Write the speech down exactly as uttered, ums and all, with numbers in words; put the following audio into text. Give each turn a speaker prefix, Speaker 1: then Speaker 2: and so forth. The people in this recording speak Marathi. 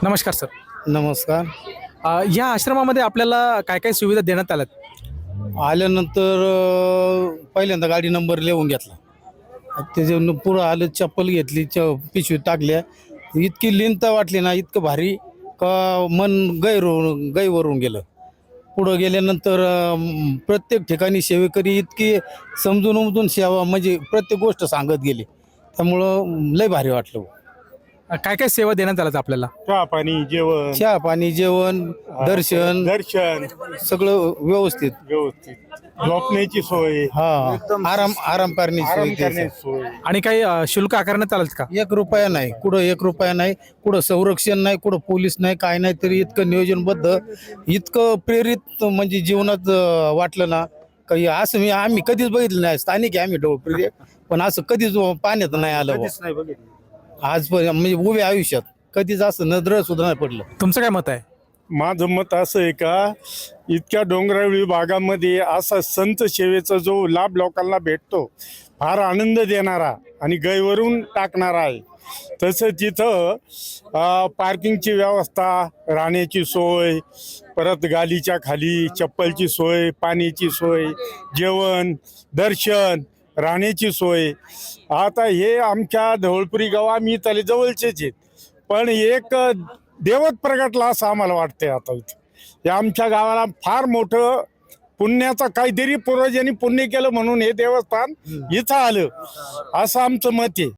Speaker 1: नमस्कार सर.
Speaker 2: नमस्कार.
Speaker 1: अ, या आश्रमामध्ये आपल्याला काय काय सुविधा देण्यात आल्यात?
Speaker 2: आल्यानंतर अ, पहिल्यांदा गाडी नंबर लिहून घेतला. त्याच्या पुढं आलं, चप्पल घेतली, च पिशवीत टाकल्या. इतकी लिंत वाटली ना, इतकं भारी का मन गैर गैरवरून गेलं. पुढं गेल्यानंतर अ, म, प्रत्येक ठिकाणी सेवेकरी इतकी समजून उमजून सेवा, म्हणजे प्रत्येक गोष्ट सांगत गेली. त्यामुळं लय भारी वाटलं.
Speaker 1: अ, काय काय सेवा देण्यात आल्यात आपल्याला?
Speaker 3: चहा पाणी जेवण
Speaker 2: चहा पाणी जेवण दर्शन
Speaker 3: दर्शन
Speaker 2: सगळं व्यवस्थित.
Speaker 3: व्यवस्थित झोपण्याची सोय
Speaker 2: हा आराम आराम करण्याची
Speaker 3: आराम
Speaker 2: सोय त्याचं.
Speaker 3: करण्याची सोय
Speaker 1: आणि काही अ, शुल्क आकारण्यात आलं का?
Speaker 2: एक रुपया नाही, कुठं एक रुपया नाही, कुठं संरक्षण नाही, कुठं पोलीस नाही, काय नाही, तरी इतकं नियोजनबद्ध, इतकं प्रेरित म्हणजे जीवनात अं, वाटलं ना. काही असं मी आम्ही कधीच बघितलं नाही. स्थानिक आहे आम्ही डोळप्रिय, पण असं कधीच पाण्यात नाही आलं बुवा.
Speaker 3: नाही बघितलं.
Speaker 2: आज म्हणजे उभ्या आयुष्यात कधीच असं नजर सुद्धा नाही पडलं.
Speaker 1: तुमचं काय मत आहे?
Speaker 3: माझं मत असं आहे का, इतक्या डोंगराळी भागामध्ये असा संत सेवेचा जो लाभ लोकांना भेटतो, फार आनंद देणारा आणि गैवरून टाकणारा आहे. तसं तिथं अ, पार्किंगची व्यवस्था, राहण्याची सोय, परत गालीच्या खाली चप्पलची सोय, पाण्याची सोय, जेवण, दर्शन, राहण्याची सोय. आता हे आमच्या धवळपुरी गाव आम्ही त्याला जवळचेच आहेत, पण एक देवत प्रगटला असं आम्हाला वाटतंय आता इथं. हे आमच्या गावाला फार मोठं पुण्याचा काहीतरी पूर्वजांनी पुण्य केलं म्हणून हे देवस्थान इथं आलं असं आमचं मत आहे.